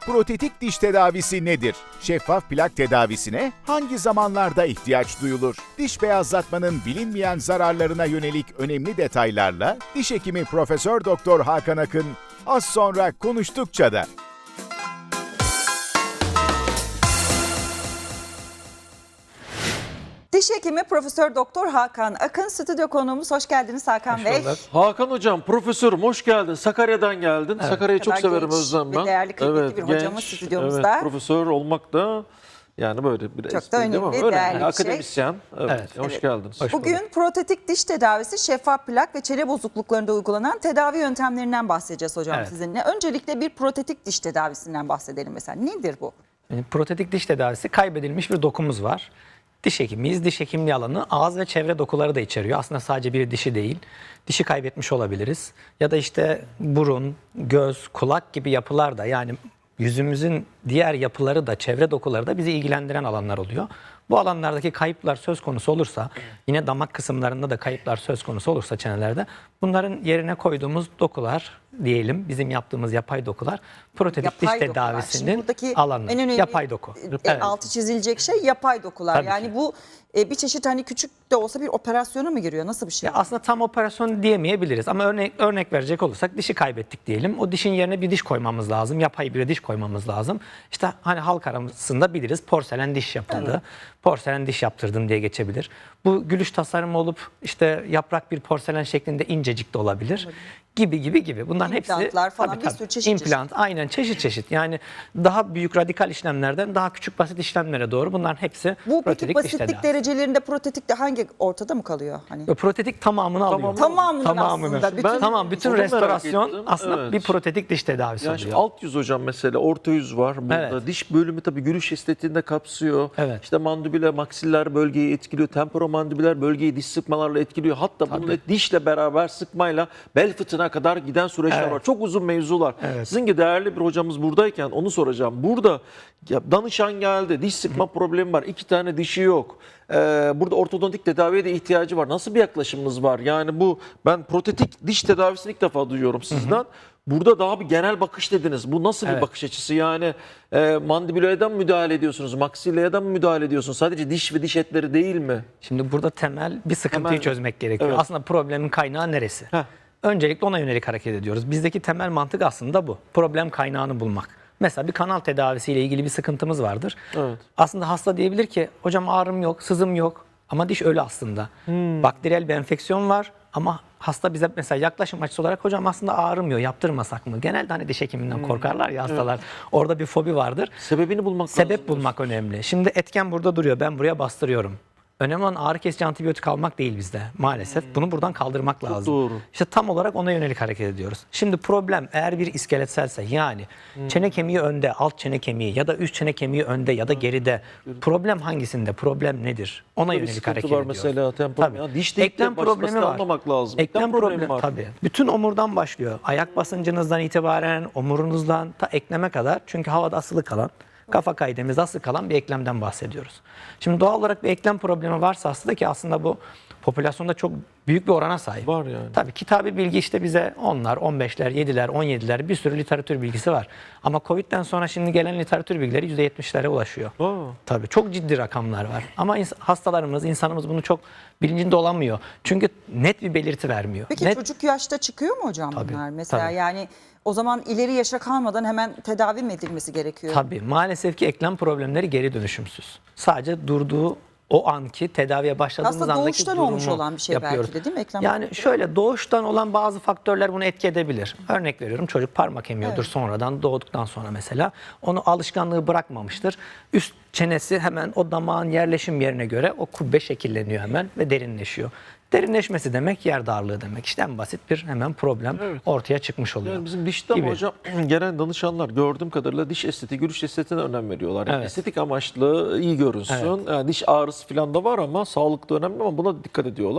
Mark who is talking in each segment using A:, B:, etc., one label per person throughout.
A: Protetik diş tedavisi nedir? Şeffaf plak tedavisine hangi zamanlarda ihtiyaç duyulur? Diş beyazlatmanın bilinmeyen zararlarına yönelik önemli detaylarla diş hekimi Profesör Doktor Hakan Akın az sonra konuştukça da.
B: Diş hekimi Profesör Doktor Hakan Akın stüdyo konuğumuz. Hoş geldiniz Hakan Bey.
C: Hakan hocam, profesörüm hoş geldin. Sakarya'dan geldin.
B: Evet.
C: Sakarya'yı çok
B: Kadar
C: severim,
B: genç
C: özlem
B: ve
C: ben.
B: değerli, kıymetli bir hocamız stüdyomuzda.
C: Evet, profesör olmak da yani böyle bir
B: Çok da
C: espri değil mi?
B: önemli, değerli bir şey.
C: Akademisyen. Evet, hoş geldiniz.
B: Bugün protetik diş tedavisi, şeffaf plak ve çene bozukluklarında uygulanan tedavi yöntemlerinden bahsedeceğiz hocam sizinle. Öncelikle bir protetik diş tedavisinden bahsedelim mesela. Nedir bu?
D: Yani protetik diş tedavisi, kaybedilmiş bir dokumuz var. Diş hekimiyiz. Diş hekimliği alanı ağız ve çevre dokuları da içeriyor. Aslında sadece bir dişi değil. Dişi kaybetmiş olabiliriz. Ya da işte burun, göz, kulak gibi yapılar da, yani yüzümüzün diğer yapıları da, çevre dokuları da bizi ilgilendiren alanlar oluyor. Bu alanlardaki kayıplar söz konusu olursa, yine damak kısımlarında da kayıplar söz konusu olursa çenelerde, bunların yerine koyduğumuz dokular diyelim, bizim yaptığımız yapay dokular, protetik diş tedavisinin alanı.
B: En önemli
D: yapay doku. Evet.
B: altı çizilecek şey yapay dokular.
D: Tabii
B: yani
D: ki.
B: Bu bir çeşit hani küçük de olsa bir operasyona mı giriyor? Nasıl bir şey?
D: Ya aslında tam operasyon diyemeyebiliriz ama örnek verecek olursak, dişi kaybettik diyelim. O dişin yerine bir diş koymamız lazım. Yapay bir diş koymamız lazım. İşte hani halk arasında biliriz, porselen diş yapıldı. Evet. Porselen diş yaptırdım diye geçebilir. Bu gülüş tasarımı olup işte yaprak bir porselen şeklinde incecik de olabilir. Gibi. Bunların hepsi
B: İmplantlar falan, bir sürü çeşit.
D: İmplant, aynen çeşit. Yani daha büyük radikal işlemlerden daha küçük basit işlemlere doğru, bunların hepsi
B: Bu peki
D: protetik diş
B: basitlik
D: tedavisi.
B: derecelerinde protetik de hangi ortada mı kalıyor? Hani
D: Protetik tamamını alıyor.
B: Tamamını aslında.
D: Bütün
C: Onu merak
D: restorasyon
C: ettim.
D: aslında
C: Evet.
D: bir protetik diş tedavisi
C: Yani
D: oluyor.
C: alt yüz hocam, mesela orta yüz var burada.
D: Evet.
C: Diş bölümü tabii gülüş estetiğinde kapsıyor.
D: Evet.
C: İşte mandibüler, maksiller bölgeyi etkiliyor. Temporomandibüler bölgeyi diş sıkmalarla etkiliyor. Hatta bunun dişle beraber sıkmayla bel fıtığına kadar giden süreçler
D: Evet.
C: var. Çok uzun mevzular.
D: Evet.
C: Sizin gibi değerli bir hocamız buradayken onu soracağım. Burada danışan geldi. Diş sıkma problemi var. 2 tane dişi yok. Burada ortodontik tedaviye de ihtiyacı var. Nasıl bir yaklaşımınız var? Yani ben protetik diş tedavisini ilk defa duyuyorum sizden. Burada daha bir genel bakış dediniz. Bu nasıl bir bakış açısı? Yani mandibülerden müdahale ediyorsunuz? Maksillerden mi müdahale ediyorsunuz? Sadece diş ve diş etleri değil mi?
D: Şimdi burada temel bir sıkıntıyı çözmek gerekiyor.
C: Evet.
D: Aslında problemin kaynağı neresi?
C: Heh.
D: Öncelikle ona yönelik hareket ediyoruz. Bizdeki temel mantık aslında bu. Problem kaynağını bulmak. Mesela bir kanal tedavisiyle ilgili bir sıkıntımız vardır.
C: Evet.
D: Aslında hasta diyebilir ki, hocam ağrım yok, sızım yok ama diş ölü aslında. Bakteriyel bir enfeksiyon var ama hasta bize mesela yaklaşım açısı olarak, hocam aslında ağrımıyor, yaptırmasak mı? Genelde hani diş hekiminden korkarlar ya hastalar. Evet. Orada bir fobi vardır.
C: Sebebini bulmak lazım.
D: Sebep bulmak önemli. Şimdi etken burada duruyor, ben buraya bastırıyorum. Önemli olan ağrı kesici antibiyotik almak değil bizde maalesef. Bunu buradan kaldırmak lazım.
C: Doğru.
D: İşte tam olarak ona yönelik hareket ediyoruz. Şimdi problem eğer bir iskeletselse, yani çene kemiği önde, alt çene kemiği ya da üst çene kemiği önde ya da geride. Problem hangisinde? Problem nedir? Ona yönelik hareket
C: var
D: ediyoruz.
C: mesela
D: Tabii.
C: Ya diş değil
D: Eklem problemi var.
C: anlamak lazım.
D: Eklem problemi var. Tabii. Bütün omurdan başlıyor. Ayak basıncınızdan itibaren omurunuzdan ta ekleme kadar. Çünkü havada asılı kalan, kafa kaydemiz asılı kalan bir eklemden bahsediyoruz. Şimdi doğal olarak bir eklem problemi varsa aslında, ki aslında bu popülasyonda çok büyük bir orana sahip.
C: Var yani.
D: Tabii kitabi bilgi işte bize 10'lar, 15'ler, 7'ler, 17'ler bir sürü literatür bilgisi var. Ama Covid'den sonra şimdi gelen literatür bilgileri %70'lere ulaşıyor. Tabii çok ciddi rakamlar var. Ama hastalarımız, insanımız bunu çok bilincinde olamıyor. Çünkü net bir belirti vermiyor.
B: Peki çocuk yaşta çıkıyor mu hocam bunlar? Mesela
D: tabii.
B: yani o zaman ileri yaşa kalmadan hemen tedavi mi edilmesi gerekiyor?
D: Tabii maalesef ki eklem problemleri geri dönüşümsüz. Sadece durduğu o anki tedaviye başladığımız
B: Aslında
D: andaki
B: doğuştan
D: durumu
B: olmuş olan bir şey
D: yapıyoruz.
B: belki de, değil mi eklem?
D: Yani şöyle, doğuştan olan bazı faktörler bunu etki edebilir. Örnek veriyorum, çocuk parmak emiyordur sonradan, doğduktan sonra mesela. Onu alışkanlığı bırakmamıştır. Üst çenesi hemen o damağın yerleşim yerine göre o kubbe şekilleniyor hemen ve derinleşiyor. Derinleşmesi demek yer darlığı demek. İşte en basit bir hemen problem ortaya çıkmış oluyor.
C: Yani bizim dişte ama hocam gelen danışanlar gördüğüm kadarıyla diş estetiği, gülüş estetiğine önem veriyorlar. Yani estetik amaçlı iyi görünsün. Yani diş ağrısı falan da var ama sağlıklı önemli, ama buna dikkat ediyorlar.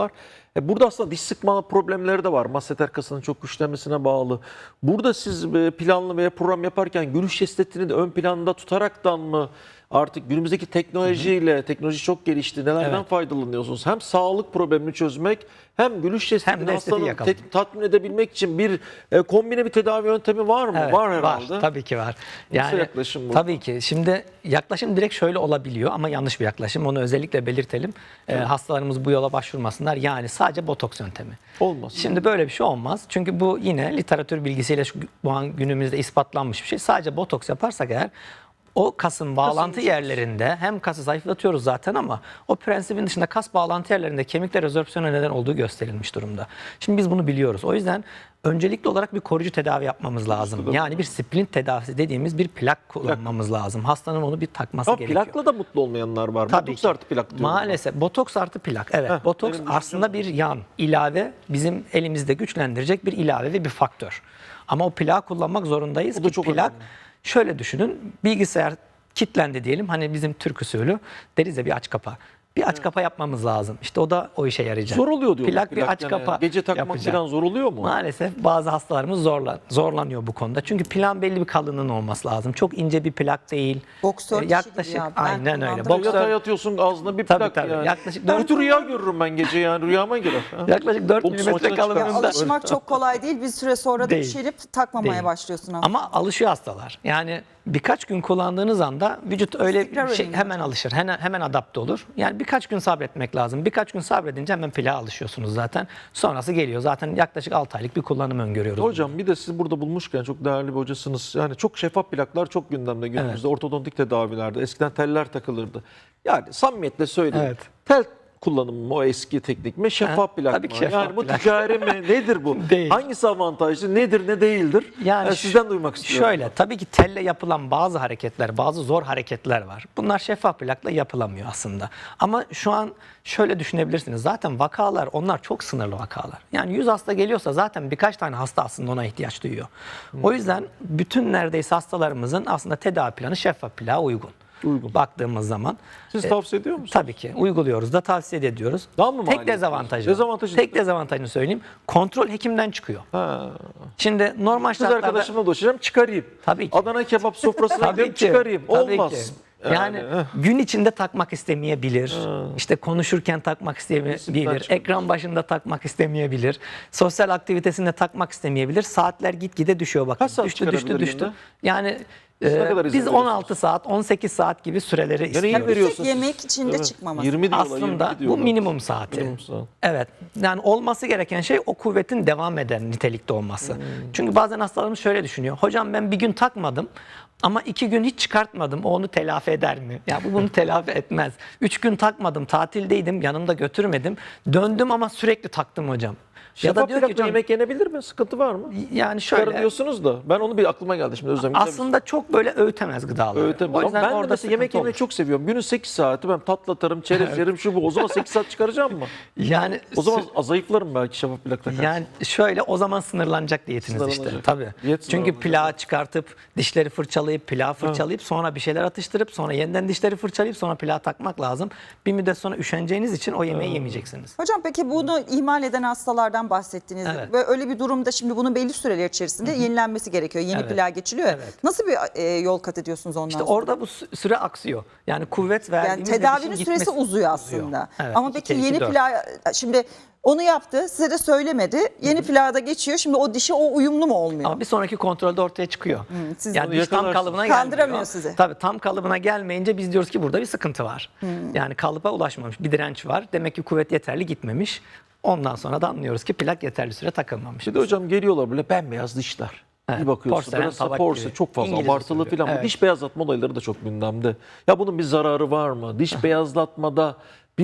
C: Burada aslında diş sıkma problemleri de var. Masseter kasının çok güçlenmesine bağlı. Burada siz planlı veya program yaparken gülüş estetiğini de ön planda tutaraktan mı artık günümüzdeki teknolojiyle, teknoloji çok gelişti. Nelerden
D: Evet.
C: faydalanıyorsunuz? Hem sağlık problemini çözmek hem gülüş
D: Hem
C: estetiğini
D: de estetiği
C: hastanın
D: yakalamak.
C: tatmin edebilmek için bir kombine bir tedavi yöntemi var mı?
D: Evet,
C: var herhalde.
D: Tabii ki var.
C: Nasıl yaklaşım bu?
D: Tabii ki. Şimdi yaklaşım direkt şöyle olabiliyor ama yanlış bir yaklaşım. Onu özellikle belirtelim. Hastalarımız bu yola başvurmasınlar. Yani sadece botoks yöntemi.
C: Olmaz.
D: Şimdi böyle bir şey olmaz. Çünkü bu yine literatür bilgisiyle bu an günümüzde ispatlanmış bir şey. Sadece botoks yaparsak eğer o kasın bağlantı yerlerinde hem kası zayıflatıyoruz zaten ama o prensibin dışında kas bağlantı yerlerinde kemikler rezorpsiyona neden olduğu gösterilmiş durumda. Şimdi biz bunu biliyoruz. O yüzden öncelikli olarak bir koruyucu tedavi yapmamız lazım. Yani bir splint tedavisi dediğimiz bir plak kullanmamız lazım. Hastanın onu bir takması
C: Ama
D: gerekiyor.
C: plakla da mutlu olmayanlar var.
D: Tabii
C: Botoks
D: ki.
C: artı plak diyorum.
D: Maalesef botoks artı plak. Evet. Botoks
C: benim
D: aslında bir yan, ilave, bizim elimizde güçlendirecek bir ilave ve bir faktör. Ama o plağı kullanmak zorundayız.
C: O da
D: ki
C: çok
D: plak,
C: önemli.
D: şöyle düşünün, bilgisayar kilitlendi diyelim. Hani bizim Türk usulü deriz ya bir aç kapa. Bir aç kapa yapmamız lazım. İşte o da o işe yarayacak.
C: Zor oluyor diyorlar.
D: Plak bir aç
C: yani.
D: kapa
C: Gece takmak
D: yapacak.
C: falan zor oluyor mu?
D: Maalesef bazı hastalarımız zorlanıyor bu konuda. Çünkü plan belli bir kalınlığın olması lazım. Çok ince bir plak değil.
B: Boksör dişi
D: Yaklaşık
B: gibi ya. Ben
D: aynen öyle.
B: kullandım.
C: Yatağa yatıyorsun ağzına bir
D: Tabii,
C: plak
D: tabii.
C: yani.
D: Yaklaşık
C: Ben
D: dört-
C: kötü rüya görürüm ben gece yani rüyama girer. Ha.
D: Yaklaşık 4
C: Boks
D: milimetre
C: maçına çıkar.
D: kalınlığında.
B: Alışmak çok kolay değil. Bir süre sonra da
D: Değil.
B: düşerip takmamaya
D: Değil.
B: başlıyorsun aslında.
D: Ama alışıyor hastalar. Yani birkaç gün kullandığınız anda vücut öyle
B: İstikrar
D: bir şey
B: önemli
D: hemen alışır. Hemen adapte olur. Yani birkaç gün sabretmek lazım. Birkaç gün sabredince hemen plağa alışıyorsunuz zaten. Sonrası geliyor. Zaten yaklaşık 6 aylık bir kullanım öngörüyoruz.
C: Hocam bir de siz burada bulmuşken çok değerli bir hocasınız. Yani çok şeffaf plaklar çok gündemde günümüzde. Ortodontik tedavilerde. Eskiden teller takılırdı. Yani samimiyetle söyleyeyim.
D: Evet.
C: Tel kullanımı mı o eski teknik mi? Şeffaf plak
D: tabii
C: mı?
D: ki şeffaf
C: Yani bu
D: plak.
C: ticari mi? Nedir bu?
D: Değil.
C: Hangisi avantajlı? Nedir ne değildir?
D: Yani
C: sizden duymak istiyorum.
D: Şöyle tabii ki telle yapılan bazı hareketler, bazı zor hareketler var. Bunlar şeffaf plakla yapılamıyor aslında. Ama şu an şöyle düşünebilirsiniz. Zaten vakalar onlar çok sınırlı vakalar. Yani 100 hasta geliyorsa zaten birkaç tane hasta aslında ona ihtiyaç duyuyor. O yüzden bütün neredeyse hastalarımızın aslında tedavi planı şeffaf plağa uygun. Baktığımız zaman.
C: Siz tavsiye ediyor musunuz?
D: Tabii ki uyguluyoruz da tavsiye de ediyoruz.
C: Daha mı maliyetli?
D: Tek dezavantajı.
C: Dezavantajı
D: Tek
C: nedir?
D: dezavantajını söyleyeyim. Kontrol hekimden çıkıyor.
C: Ha.
D: Şimdi normal
C: Kız
D: şartlarda
C: arkadaşımla dolaşacağım çıkarayım.
D: Tabii ki.
C: Adana kebap sofrasına
D: Tabii
C: gidelim
D: ki,
C: çıkarayım.
D: tabii
C: Olmaz.
D: ki. Yani gün içinde takmak istemeyebilir. İşte konuşurken takmak istemeyebilir.
C: çıkıyor.
D: Ekran başında takmak istemeyebilir. Sosyal aktivitesinde takmak istemeyebilir. Saatler gitgide düşüyor bakın.
C: Kaç saat
D: Düştü.
C: çıkarabilir günde?
D: Yani
C: ne kadar izin
D: biz 16 saat, 18 saat gibi süreleri
C: iyi
D: istiyoruz.
C: veriyorsunuz.
B: Tek yemek içinde çıkmaması.
C: 20 diyorlar,
D: Aslında
C: 22
D: bu
C: diyorlar.
D: minimum saati.
C: Minimum saat.
D: Evet. Yani olması gereken şey o kuvvetin devam eden nitelikte olması. Çünkü bazen hastalarımız şöyle düşünüyor. Hocam ben bir gün takmadım ama 2 gün hiç çıkartmadım. O onu telafi eder mi? Ya bu bunu telafi etmez. 3 gün takmadım, tatildeydim, yanımda götürmedim. Döndüm ama sürekli taktım hocam. Ya da diyor ki
C: plakla
D: hocam
C: yemek yenebilir mi? Sıkıntı var mı?
D: yani
C: Çıkarın
D: şöyle
C: diyorsunuz da ben onu bir aklıma geldi şimdi Özlem. güzel bir
D: aslında çok böyle öğütemez gıdalar.
C: Öğütemez.
D: O
C: Ama
D: yüzden
C: ben de
D: orada
C: mesela yemek
D: sıkıntı
C: yemeyi
D: olur.
C: çok seviyorum. Günün 8 saati ben tatlı atarım, çerez yerim, şu bu. O zaman 8 saat çıkaracağım mı?
D: Yani
C: O zaman zayıflarım belki şeffaf plak takarsan.
D: Yani şöyle o zaman sınırlanacak diyetiniz işte.
C: Sınırlanacak.
D: Tabii.
C: Diyet
D: Çünkü
C: sınırlanacak.
D: plağı çıkartıp dişleri fırçalayıp plağı fırçalayıp sonra bir şeyler atıştırıp sonra yeniden dişleri fırçalayıp sonra plağı takmak lazım. Bir müddet sonra üşeneceğiniz için o yemeği yemeyeceksiniz.
B: Hocam peki bunu ihmal eden hastalardan bahsettiniz.
D: Evet.
B: Ve öyle bir durumda şimdi bunun belli süreler içerisinde yenilenmesi gerekiyor. Yeni
D: Evet.
B: plağa geçiliyor ya.
D: Evet.
B: Nasıl bir yol kat ediyorsunuz ondan
D: İşte
B: sonra?
D: orada bu süre aksıyor. Yani kuvvet
B: Yani
D: verdiğimiz ve
B: tedavinin
D: dişin
B: süresi
D: gitmesi
B: uzuyor aslında.
D: Evet,
B: Ama
D: 2
B: peki
D: kere 2,
B: yeni
D: 4.
B: plağa şimdi onu yaptı size de söylemedi. Yeni plağa da geçiyor. Şimdi o dişi o uyumlu mu olmuyor?
D: Ama bir sonraki kontrolde ortaya çıkıyor.
B: siz
D: yani
C: onu
D: diş tam
C: yakalarsınız.
D: kalıbına
B: Kandıramıyor
D: gelmiyor.
B: sizi.
D: Tabii tam kalıbına gelmeyince biz diyoruz ki burada bir sıkıntı var. Yani kalıba ulaşmamış bir direnç var. Demek ki kuvvet yeterli gitmemiş. Ondan sonra da anlıyoruz ki plak yeterli süre takılmamış.
C: Bir de hocam geliyorlar böyle bembeyaz dişler.
D: Evet,
C: Bir bakıyorsun
D: porselen,
C: böyle
D: tabak
C: porse
D: gibi.
C: çok fazla
D: İngiliz
C: abartılı
D: usulü.
C: falan. Bu
D: Evet.
C: diş beyazlatma olayları da çok gündemde. Ya bunun bir zararı var mı? Diş beyazlatmada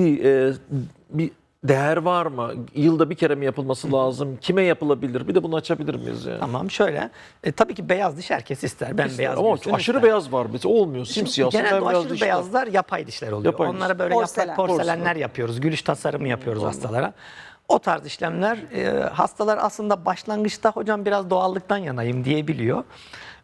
C: bir değer var mı? Yılda bir kere mi yapılması lazım? Kime yapılabilir? Bir de bunu açabilir miyiz yani?
D: Tamam şöyle. Tabii ki beyaz diş herkes ister. Ben beyaz
C: Ama
D: görsün
C: aşırı
D: ister.
C: beyaz var. Mesela olmuyor. Simsiyah.
D: Genelde o
C: bembeyaz
D: aşırı
C: dişler.
D: beyazlar yapay dişler oluyor.
C: Yapay
D: Onlara
C: diş.
D: böyle
B: Porselen.
D: yaprak porselenler yapıyoruz. Gülüş tasarımı yapıyoruz hastalara. O tarz işlemler hastalar aslında başlangıçta hocam biraz doğallıktan yanayım diyebiliyor.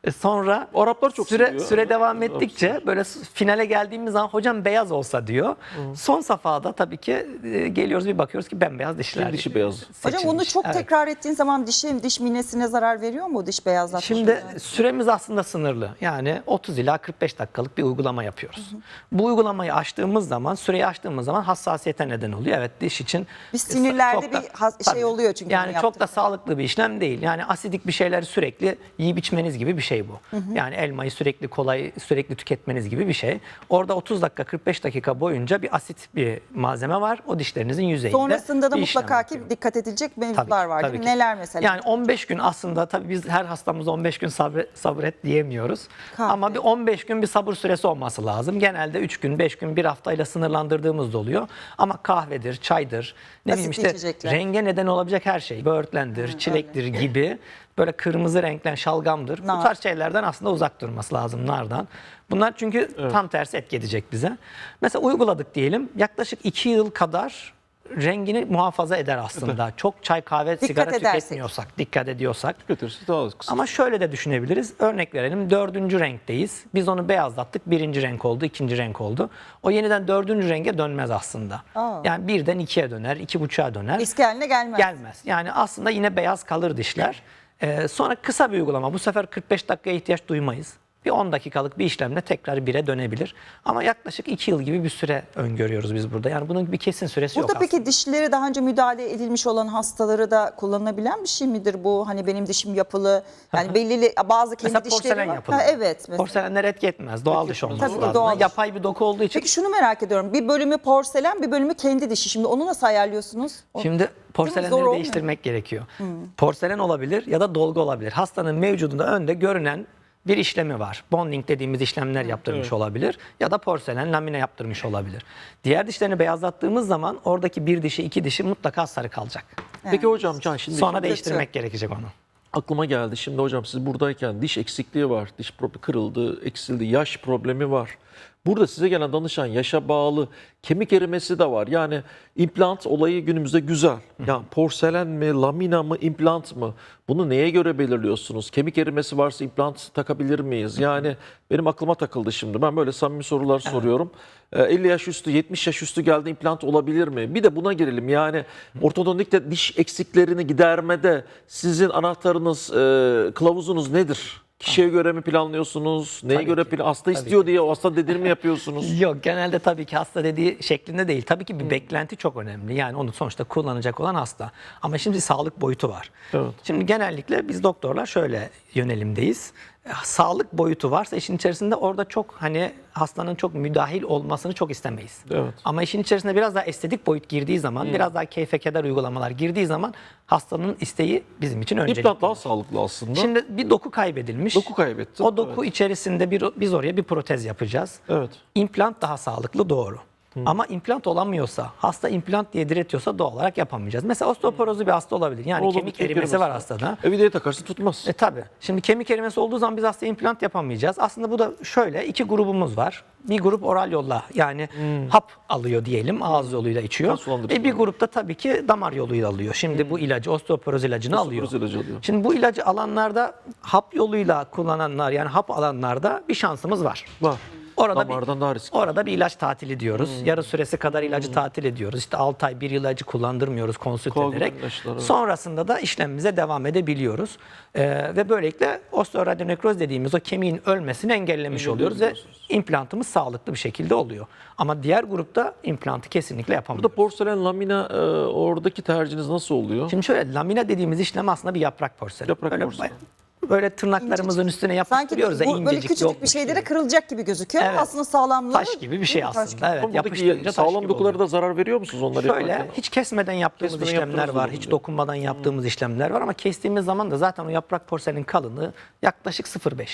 D: Sonra
C: Araplar çok seviyor.
D: süre devam ettikçe böyle finale geldiğimiz zaman hocam beyaz olsa diyor. Son safhada tabii ki geliyoruz bir bakıyoruz ki bembeyaz dişler.
C: Bir dişi beyaz.
B: Hocam bunu
D: seçilmiş.
B: çok
D: Evet.
B: tekrar ettiğin zaman diş minesine zarar veriyor mu diş beyazlatma?
D: Şimdi süremiz aslında sınırlı. Yani 30 ila 45 dakikalık bir uygulama yapıyoruz. Bu uygulamayı açtığımız zaman, süreyi açtığımız zaman hassasiyete neden oluyor. Evet, diş için
B: Bir sinirlerde
D: çok da-
B: bir şey
D: tabii.
B: oluyor çünkü
D: Yani
B: bunu
D: çok da
B: yaptığında.
D: sağlıklı bir işlem değil. Yani asidik bir şeyleri sürekli yiyip içmeniz gibi bir şey bu. Yani elmayı sürekli tüketmeniz gibi bir şey. Orada 30 dakika 45 dakika boyunca bir asit bir malzeme var. O dişlerinizin yüzeyinde.
B: Sonrasında da
D: bir işlem
B: mutlaka ki
D: yapıyor.
B: dikkat edilecek mevzular
D: Tabii,
B: var
D: tabii
B: değil mi?
D: ki.
B: Neler mesela?
D: Yani 15 gün aslında tabii biz her hastamıza 15 gün sabret diyemiyoruz.
B: Kahve.
D: Ama bir 15 gün bir sabır süresi olması lazım. Genelde 3 gün, 5 gün, bir haftayla sınırlandırdığımız da oluyor. Ama kahvedir, çaydır, ne bileyim
B: Asitli
D: işte
B: içecekler.
D: renge neden olabilecek her şey. Böğürtlendir, çilektir gibi böyle kırmızı renklen şalgamdır. Bu
B: Nar.
D: tarz şeylerden aslında uzak durması lazım nardan. Bunlar çünkü tam tersi etki edecek bize. Mesela uyguladık diyelim. Yaklaşık 2 yıl kadar rengini muhafaza eder aslında. Çok çay, kahve, sigara
B: edersek.
D: tüketmiyorsak, dikkat ediyorsak.
C: Götürürse daha kısa.
D: Ama şöyle de düşünebiliriz. Örnek verelim 4. renkteyiz. Biz onu beyazlattık. 1. renk oldu, 2. renk oldu. O yeniden 4. renge dönmez aslında.
B: Aa.
D: Yani 1'den 2'ye döner, 2,5'a döner.
B: Eski haline gelmez.
D: Gelmez. Yani aslında yine beyaz kalır dişler. Sonra kısa bir uygulama. Bu sefer 45 dakikaya ihtiyaç duymayız. Bir 10 dakikalık bir işlemle tekrar 1'e dönebilir. Ama yaklaşık 2 yıl gibi bir süre öngörüyoruz biz burada. Yani bunun bir kesin süresi
B: Burada
D: yok
B: peki
D: aslında.
B: dişlere daha önce müdahale edilmiş olan hastaları da kullanılabilen bir şey midir bu? Hani benim dişim yapılı. Yani belirli bazı kendi
D: Mesela
B: dişleri
D: porselen
B: var.
D: yapılı.
B: Ha, evet. Mesela.
D: Porselenler etki etmez. Doğal diş olması
B: Tabii,
D: lazım.
B: doğal diş.
D: Yapay bir doku olduğu için.
B: Peki şunu merak ediyorum. Bir bölümü porselen, bir bölümü kendi dişi. Şimdi onu nasıl ayarlıyorsunuz?
D: Şimdi
B: Zor
D: porselenleri
B: olmuyor.
D: değiştirmek gerekiyor. Porselen olabilir ya da dolgu olabilir. Hastanın mevcudunda önde görünen bir işlemi var. Bonding dediğimiz işlemler yaptırmış olabilir ya da porselen lamine yaptırmış olabilir. Diğer dişlerini beyazlattığımız zaman oradaki bir dişi, iki dişi mutlaka sarı kalacak.
C: Peki hocam Can şimdi
D: Sonra değiştirmek gerekecek onu.
C: aklıma geldi. Şimdi hocam siz buradayken diş eksikliği var. Diş kırıldı, eksildi, yaş problemi var. Burada size gelen danışan yaşa bağlı kemik erimesi de var. Yani implant olayı günümüzde güzel. Yani porselen mi, lamina mı, implant mı? Bunu neye göre belirliyorsunuz? Kemik erimesi varsa implant takabilir miyiz? Yani benim aklıma takıldı şimdi. Ben böyle samimi sorular soruyorum. 50 yaş üstü, 70 yaş üstü geldi implant olabilir mi? Bir de buna girelim. Yani ortodontikte diş eksiklerini gidermede sizin anahtarınız, kılavuzunuz nedir? Kişiye göre mi planlıyorsunuz? Neye
D: Tabii
C: göre
D: ki.
C: hasta
D: Tabii
C: istiyor
D: ki.
C: diye o hasta dediğini mi yapıyorsunuz?
D: Yok, genelde tabii ki hasta dediği şeklinde değil. Tabii ki bir beklenti çok önemli. Yani onu sonuçta kullanacak olan hasta. Ama şimdi sağlık boyutu var.
C: Evet.
D: Şimdi genellikle biz doktorlar şöyle yönelimdeyiz. Sağlık boyutu varsa işin içerisinde orada çok hani hastanın çok müdahil olmasını çok istemeyiz.
C: Evet.
D: Ama işin içerisinde biraz daha estetik boyut girdiği zaman, biraz daha keyfe keder uygulamalar girdiği zaman hastanın isteği bizim için öncelikli.
C: İmplant daha sağlıklı aslında.
D: Şimdi bir doku kaybedilmiş.
C: Doku kaybetti.
D: O doku içerisinde biz oraya bir protez yapacağız.
C: Evet.
D: İmplant daha sağlıklı, doğru. Ama implant olamıyorsa, hasta implant diye diretiyorsa doğal olarak yapamayacağız. Mesela osteoporozlu bir hasta olabilir. Yani
C: Olur,
D: kemik erimesi var hastada.
C: Vidaya takarsın tutmaz.
D: Tabii. Şimdi kemik erimesi olduğu zaman biz hastaya implant yapamayacağız. Aslında bu da şöyle, iki grubumuz var. Bir grup oral yolla yani hap alıyor diyelim, ağız yoluyla içiyor.
C: Kan sulandırıcı
D: Bir grupta tabii ki damar yoluyla alıyor. Şimdi bu ilacı, osteoporoz ilacını alıyor.
C: Osteoporoz ilacı alıyor.
D: Şimdi bu ilacı alanlarda, hap yoluyla kullananlar yani hap alanlarda bir şansımız var.
C: Var.
D: Orada
C: Damardan daha riskli.
D: Orada bir ilaç tatili diyoruz. Yarı süresi kadar ilacı tatil ediyoruz. İşte 6 ay bir ilacı kullandırmıyoruz konsült
C: Koagülan
D: ederek.
C: ilaçlar, evet.
D: Sonrasında da işlemimize devam edebiliyoruz. Ve böylelikle osteoradionekroz dediğimiz o kemiğin ölmesini engellemiş oluyoruz ve implantımız sağlıklı bir şekilde oluyor. Ama diğer grupta implantı kesinlikle yapamıyoruz.
C: Burada porselen, lamina oradaki tercihiniz nasıl oluyor?
D: Şimdi şöyle, lamina dediğimiz işlem aslında bir yaprak porselen.
C: Yaprak
D: Böyle
C: porselen.
D: Böyle tırnaklarımızın üstüne
B: Sanki
D: yapıştırıyoruz da
B: bu böyle
D: incecik
B: küçücük bir
D: yokmuş
B: şeylere
D: gibi.
B: kırılacak gibi gözüküyor.
D: Evet.
B: Aslında sağlamlığı
D: Taş gibi bir şey
B: Taş
D: aslında. Evet,
C: Ama
D: yapıştırınca
C: buradaki
D: taş
C: sağlam
D: gibi
C: dokulara
D: oluyor.
C: da zarar veriyor musunuz onları
D: Şöyle
C: yaparken?
D: hiç kesmeden yaptığımız
C: Kesmeden
D: işlemler
C: yaptığınız
D: var.
C: oluyor.
D: Hiç dokunmadan yaptığımız işlemler var ama kestiğimiz zaman da zaten o yaprak porselenin kalınlığı yaklaşık 0,5.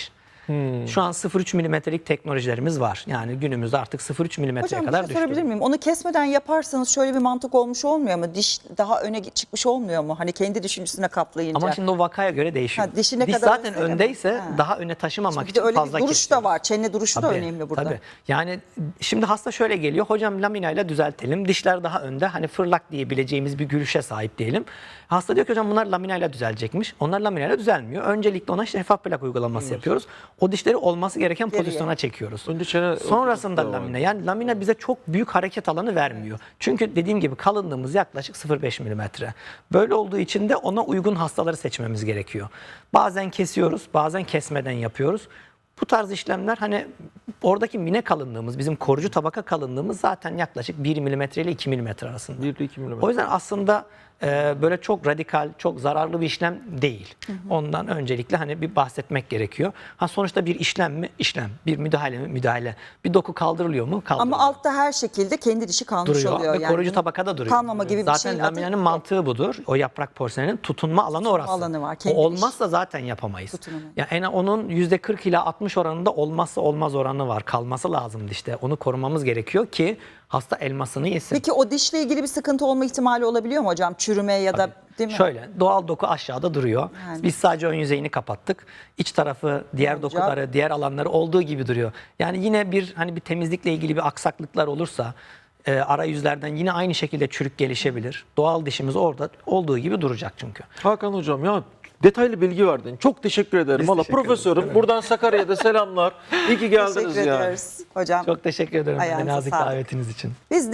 D: Şu an 0,3 milimetrelik teknolojilerimiz var. Yani günümüzde artık 0,3 milimetreye
B: Hocam bir
D: kadar
B: şey sorabilir
D: düştü.
B: miyim? Onu kesmeden yaparsanız şöyle bir mantık olmuş olmuyor mu? Diş daha öne çıkmış olmuyor mu? Hani kendi dişin üstüne kaplayınca.
D: Ama şimdi o vakaya göre değişiyor.
B: Ha, dişi ne
D: Diş
B: kadar
D: zaten
B: önsene mi?
D: öndeyse
B: Ha.
D: daha öne taşımamak
B: Bir de
D: için
B: öyle
D: fazla
B: bir duruş
D: kesiyoruz.
B: da var. Çene duruşu da
D: Tabii,
B: önemli burada.
D: tabii. Yani şimdi hasta şöyle geliyor. Hocam laminayla düzeltelim. Dişler daha önde. Hani fırlak diyebileceğimiz bir gülüşe sahip diyelim. Hasta diyor ki hocam bunlar laminayla düzelecekmiş. Onlar laminayla düzelmiyor. Öncelikle ona şeffaf plak uygulaması yapıyoruz. O dişleri olması gereken
B: Geriye.
D: pozisyona çekiyoruz.
C: Önce çene
D: Sonrasında
C: oturtma var.
D: lamina. Yani lamina bize çok büyük hareket alanı vermiyor. Çünkü dediğim gibi kalınlığımız yaklaşık 0,5 milimetre. Böyle olduğu için de ona uygun hastaları seçmemiz gerekiyor. Bazen kesiyoruz, bazen kesmeden yapıyoruz. Bu tarz işlemler hani oradaki mine kalınlığımız, bizim koruyucu tabaka kalınlığımız zaten yaklaşık 1 milimetre ile 2 milimetre arasında.
C: 1 ile 2 milimetre.
D: O yüzden aslında böyle çok radikal, çok zararlı bir işlem değil. Ondan öncelikle hani bir bahsetmek gerekiyor. Ha sonuçta bir işlem mi? İşlem. Bir müdahale mi? Müdahale. Bir doku kaldırılıyor mu? Kaldırılıyor.
B: Ama altta her şekilde kendi dişi kalmış
D: Duruyor
B: oluyor.
D: ve koruyucu tabakada duruyor.
B: Kalmama gibi bir
D: zaten
B: şey.
D: laminanın mantığı budur. O yaprak porseleninin tutunma alanı orası.
B: alanı var,
D: O
B: kendi
D: olmazsa zaten yapamayız.
B: Tutunamıyor.
D: Yani onun %40 ila 60 oranında olmazsa olmaz oranı var. Kalması lazım dişte. Onu korumamız gerekiyor ki hasta elmasını yesin.
B: Peki o dişle ilgili bir sıkıntı olma ihtimali olabiliyor mu hocam? Çürüme ya da değil mi?
D: Şöyle doğal doku aşağıda duruyor.
B: Yani.
D: Biz sadece ön yüzeyini kapattık. İç tarafı, diğer
B: olacak?
D: dokuları, diğer alanları olduğu gibi duruyor. Yani yine bir hani bir temizlikle ilgili bir aksaklıklar olursa arayüzlerden yine aynı şekilde çürük gelişebilir. Doğal dişimiz orada olduğu gibi duracak çünkü.
C: Hakan hocam ya detaylı bilgi verdin. Çok teşekkür ederim.
D: Biz
C: Valla
D: teşekkür ederiz.
C: profesörüm. Buradan Sakarya'da selamlar. İyi ki geldiniz
B: Teşekkür
C: yani.
B: ediyoruz hocam.
D: Çok teşekkür ederim
B: Ayağınıza
D: nazik
B: sağlık.
D: davetiniz için.
B: Biz